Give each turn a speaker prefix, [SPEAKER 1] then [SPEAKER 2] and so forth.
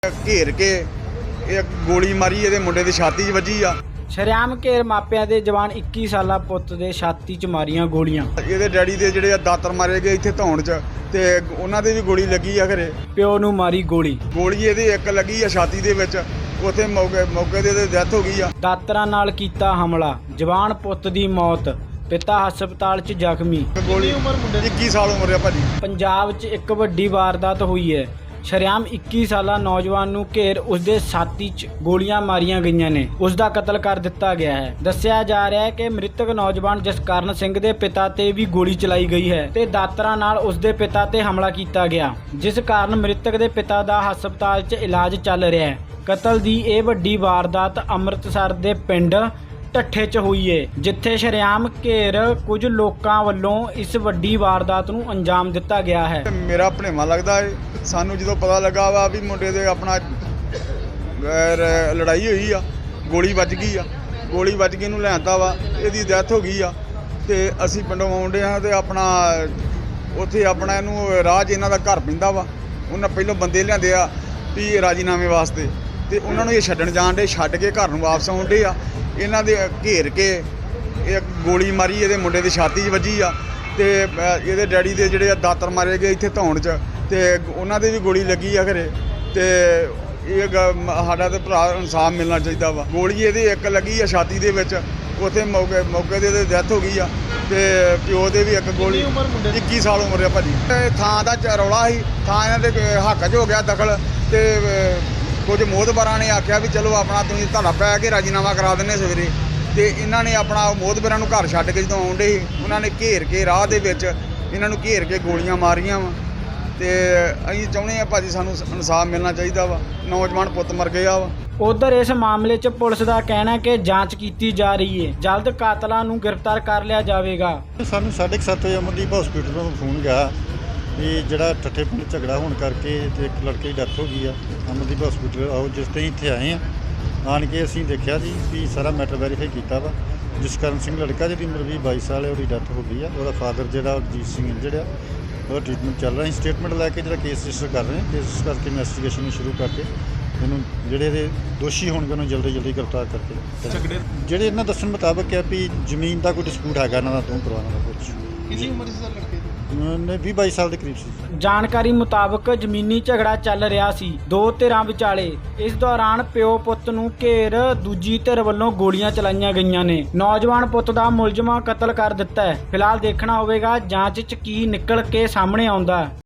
[SPEAKER 1] घेर के एक गोली मारी ਇਹਦੇ ਮੁੰਡੇ ਦੀ ਛਾਤੀ 'ਚ ਵੱਜੀ ਆ।
[SPEAKER 2] ਸ਼ਰੇਆਮ ਘੇਰ ਮਾਪਿਆਂ ਦੇ ਜਵਾਨ 21 ਸਾਲਾ ਪੁੱਤ ਦੇ ਛਾਤੀ 'ਚ ਮਾਰੀਆਂ ਗੋਲੀਆਂ।
[SPEAKER 1] ਇਹਦੇ ਡੈਡੀ ਦੇ ਜਿਹੜੇ ਦਾਤਰ ਮਾਰੇ ਗਏ ਇੱਥੇ ਧੌਣ 'ਚ ਤੇ ਉਹਨਾਂ ਦੇ ਵੀ ਗੋਲੀ ਲੱਗੀ ਆ ਘਰੇ।
[SPEAKER 2] ਪਿਓ ਨੂੰ ਮਾਰੀ ਗੋਲੀ
[SPEAKER 1] ਇਹਦੇ ਇੱਕ ਲੱਗੀ ਆ ਛਾਤੀ ਦੇ ਵਿੱਚ, ਉੱਥੇ ਮੌਕੇ ਦੇ ਡੈਥ ਹੋ ਗਈ ਆ।
[SPEAKER 2] ਦਾਤਰਾਂ ਨਾਲ ਕੀਤਾ ਹਮਲਾ, ਜਵਾਨ ਪੁੱਤ ਦੀ ਮੌਤ, ਪਿਤਾ ਹਸਪਤਾਲ 'ਚ ਜ਼ਖਮੀ।
[SPEAKER 1] ਗੋਲੀ ਉਮਰ ਮੁੰਡੇ ਦੀ 21 ਸਾਲ ਉਮਰ ਆ ਭਾਜੀ।
[SPEAKER 2] ਪੰਜਾਬ 'ਚ ਇੱਕ ਵੱਡੀ ਵਾਰਦਾਤ ਹੋਈ ਹੈ। ਸ਼ਰੇਆਮ 21 ਸਾਲਾ ਨੌਜਵਾਨ ਨੂੰ ਘੇਰ ਉਸਦੇ ਛਾਤੀ 'ਚ ਗੋਲੀਆਂ ਮਾਰੀਆਂ ਗਈਆਂ ਨੇ। ਉਸ ਦਾ ਕਤਲ ਕਰ ਦਿੱਤਾ ਗਿਆ ਹੈ। ਦੱਸਿਆ ਜਾ ਰਿਹਾ ਹੈ ਕਿ ਮ੍ਰਿਤਕ ਨੌਜਵਾਨ ਜਸਕਰਨ ਸਿੰਘ ਦੇ ਪਿਤਾ ਤੇ ਵੀ ਗੋਲੀ ਚਲਾਈ ਗਈ ਹੈ ਤੇ ਦਾਤਰਾਂ ਨਾਲ ਉਸਦੇ ਪਿਤਾ ਤੇ ਹਮਲਾ ਕੀਤਾ ਗਿਆ, ਜਿਸ ਕਾਰਨ ਮ੍ਰਿਤਕ ਦੇ ਪਿਤਾ ਦਾ ਹਸਪਤਾਲ 'ਚ ਇਲਾਜ ਚੱਲ ਰਿਹਾ ਹੈ। ਕਤਲ ਦੀ ਇਹ ਵੱਡੀ ਵਾਰਦਾਤ ਅੰਮ੍ਰਿਤਸਰ ਦੇ ਪਿੰਡ ਢੱਠੇ 'ਚ ਹੋਈ ਏ, ਜਿੱਥੇ ਸ਼ਰੇਆਮ ਘੇਰ ਕੁਝ ਲੋਕਾਂ ਵੱਲੋਂ ਇਸ ਵੱਡੀ ਵਾਰਦਾਤ ਨੂੰ ਅੰਜਾਮ ਦਿੱਤਾ ਗਿਆ ਹੈ।
[SPEAKER 1] ਮੇਰਾ ਭਣੇਵਾਂ ਲੱਗਦਾ ਏ। ਸਾਨੂੰ ਜਦੋਂ ਪਤਾ ਲੱਗਾ ਵਾ ਵੀ ਮੁੰਡੇ ਦੇ ਆਪਣਾ ਲੜਾਈ ਹੋਈ ਆ, ਗੋਲੀ ਵੱਜ ਗਈ ਆ, ਗੋਲੀ ਵੱਜ ਕੇ ਇਹਨੂੰ ਲਿਆਂਦਾ ਵਾ, ਇਹਦੀ ਡੈਥ ਹੋ ਗਈ ਆ ਤੇ ਅਸੀਂ ਪਿੰਡੋਂ ਆਉਂਦੇ ਹਾਂ ਤੇ ਆਪਣਾ ਉੱਥੇ ਆਪਣਾ ਇਹਨੂੰ ਰਾਹ 'ਚ ਇਹਨਾਂ ਦਾ ਘਰ ਪੈਂਦਾ ਵਾ। ਉਹਨਾਂ ਪਹਿਲਾਂ ਬੰਦੇ ਲਿਆਂਦੇ ਆ ਵੀ ਰਾਜੀਨਾਮੇ ਵਾਸਤੇ ਤੇ ਉਹਨਾਂ ਨੂੰ ਇਹ ਛੱਡਣ ਜਾਣ ਡੇ, ਛੱਡ ਕੇ ਘਰ ਨੂੰ ਵਾਪਸ ਆਉਂਦੇ ਆ। ਇਹਨਾਂ ਦੇ ਘੇਰ ਕੇ ਇੱਕ ਗੋਲੀ ਮਾਰੀ ਇਹਦੇ ਮੁੰਡੇ ਦੀ ਛਾਤੀ 'ਚ ਵੱਜੀ ਆ ਤੇ ਇਹਦੇ ਡੈਡੀ ਦੇ ਜਿਹੜੇ ਦਾਤਰ ਮਾਰੇ ਗਏ ਇੱਥੇ ਧੌਣ 'ਚ ਤੇ ਉਹਨਾਂ ਦੇ ਵੀ ਗੋਲੀ ਲੱਗੀ ਆ ਘਰੇ। ਤੇ ਇਹ ਸਾਡਾ ਤੇ ਭਰਾ ਇਨਸਾਫ ਮਿਲਣਾ ਚਾਹੀਦਾ ਵਾ। ਗੋਲੀ ਇਹਦੇ ਇੱਕ ਲੱਗੀ ਆ ਛਾਤੀ ਦੇ ਵਿੱਚ, ਉੱਥੇ ਮੌਕੇ ਦੇ ਡੈਥ ਹੋ ਗਈ ਆ ਤੇ ਪਿਓ ਦੇ ਵੀ ਇੱਕ ਗੋਲੀ। 21 ਸਾਲ ਉਮਰ ਆ ਭਾਜੀ। ਥਾਂ ਦਾ ਰੌਲਾ ਸੀ, ਥਾਂ ਇਹਨਾਂ ਦੇ ਹੱਕ 'ਚ ਹੋ ਗਿਆ ਦਖਲ ਤੇ ਕੁਝ ਮੋਹਤਬਰਾਂ ਨੇ ਆਖਿਆ ਵੀ ਚਲੋ ਆਪਣਾ ਤੁਸੀਂ ਧੜਾ ਪੈ ਕੇ ਰਾਜੀਨਾਮਾ ਕਰਾ ਦਿੰਦੇ ਸਵੇਰੇ। ਤੇ ਇਹਨਾਂ ਨੇ ਆਪਣਾ ਮੋਹਤਬਰਾਂ ਨੂੰ ਘਰ ਛੱਡ ਕੇ ਜਦੋਂ ਆਉਂਦੇ ਸੀ, ਉਹਨਾਂ ਨੇ ਘੇਰ ਕੇ ਰਾਹ ਦੇ ਵਿੱਚ ਇਹਨਾਂ ਨੂੰ ਘੇਰ ਕੇ ਗੋਲੀਆਂ ਮਾਰੀਆਂ ਵਾ। ਤੇ ਅਸੀਂ ਚਾਹੁੰਦੇ ਆ ਭਾਜੀ ਸਾਨੂੰ ਇਨਸਾਫ ਮਿਲਣਾ ਚਾਹੀਦਾ ਵਾ। ਨੌਜਵਾਨ ਪੁੱਤ ਮਰ ਗਿਆ ਵਾ।
[SPEAKER 2] ਉਧਰ ਇਸ ਮਾਮਲੇ 'ਚ ਪੁਲਿਸ ਦਾ ਕਹਿਣਾ ਹੈ ਕਿ ਜਾਂਚ ਕੀਤੀ ਜਾ ਰਹੀ ਹੈ, ਜਲਦ ਕਾਤਲਾਂ ਨੂੰ ਗ੍ਰਿਫਤਾਰ ਕਰ ਲਿਆ ਜਾਵੇਗਾ।
[SPEAKER 3] ਸਾਨੂੰ 7:30 ਵਜੇ ਅਮਨਦੀਪ ਹਸਪੀਟਲ ਤੋਂ ਫੋਨ ਗਿਆ ਵੀ ਜਿਹੜਾ ਠੱਠੇ ਪਿੰਡ ਝਗੜਾ ਹੋਣ ਕਰਕੇ ਤੇ ਇੱਕ ਲੜਕੇ ਦੀ ਡੈਥ ਹੋ ਗਈ ਆ। ਅਮਨਦੀਪ ਹਸਪੀਟਲ ਆਓ, ਜਿਸ ਤੇ ਇੱਥੇ ਆਏ ਆ। ਆਣ ਕੇ ਅਸੀਂ ਦੇਖਿਆ ਜੀ ਵੀ ਸਾਰਾ ਮੈਟਰ ਵੈਰੀਫਾਈ ਕੀਤਾ ਵਾ। ਜਸਕਰਨ ਸਿੰਘ ਲੜਕਾ ਜਿਹਦੀ ਉਮਰ 22 ਸਾਲ ਹੈ, ਉਹਦੀ ਡੈਥ ਹੋ ਗਈ ਆ। ਉਹਦਾ ਫਾਦਰ ਜਿਹੜਾ ਜੀਤ ਸਿੰਘ ਇੰਜਰਡ ਆ, ਉਹਦਾ ਟ੍ਰੀਟਮੈਂਟ ਚੱਲ ਰਿਹਾ। ਅਸੀਂ ਸਟੇਟਮੈਂਟ ਲੈ ਕੇ ਜਿਹੜਾ ਕੇਸ ਰਜਿਸਟਰ ਕਰ ਰਹੇ ਹਾਂ। ਕੇਸ ਕਰਕੇ ਇਨਵੈਸਟੀਗੇਸ਼ਨ ਨੂੰ ਸ਼ੁਰੂ ਕਰਕੇ ਇਹਨੂੰ ਜਿਹੜੇ ਇਹਦੇ ਦੋਸ਼ੀ ਹੋਣਗੇ ਉਹਨੂੰ ਜਲਦੀ ਗ੍ਰਿਫਤਾਰ ਕਰਕੇ। ਜਿਹੜੇ ਇਹਨਾਂ ਦੱਸਣ ਮੁਤਾਬਕ ਹੈ ਵੀ ਜ਼ਮੀਨ ਦਾ ਕੋਈ ਡਿਸਪਿਊਟ ਹੈਗਾ ਇਹਨਾਂ ਦਾ, ਦੋ ਪਰਿਵਾਰਾਂ ਦਾ ਕੁਝ।
[SPEAKER 1] ਕਿੰਨੀ ਉਮਰ ਸੀ ਲੜਕੇ ਦੀ?
[SPEAKER 3] 20-22 ਸਾਲ ਦੇ ਕਰੀਬ ਸੀ।
[SPEAKER 2] ਜਾਣਕਾਰੀ ਮੁਤਾਬਕ ਜ਼ਮੀਨੀ ਝਗੜਾ ਚੱਲ ਰਿਹਾ ਸੀ ਦੋ ਧਿਰਾਂ ਵਿਚਾਲੇ। ਇਸ ਦੌਰਾਨ ਪਿਓ ਪੁੱਤ ਨੂੰ ਘੇਰ ਦੂਜੀ ਧਿਰ ਵੱਲੋਂ ਗੋਲੀਆਂ ਚਲਾਈਆਂ ਗਈਆਂ ਨੇ। ਨੌਜਵਾਨ ਪੁੱਤ ਦਾ ਮੁਲਜ਼ਮਾਂ ਕਤਲ ਕਰ ਦਿੱਤਾ ਹੈ। ਫਿਲਹਾਲ ਦੇਖਣਾ ਹੋਵੇਗਾ ਜਾਂਚ 'ਚ ਕੀ ਨਿਕਲ ਕੇ ਸਾਹਮਣੇ ਆਉਂਦਾ।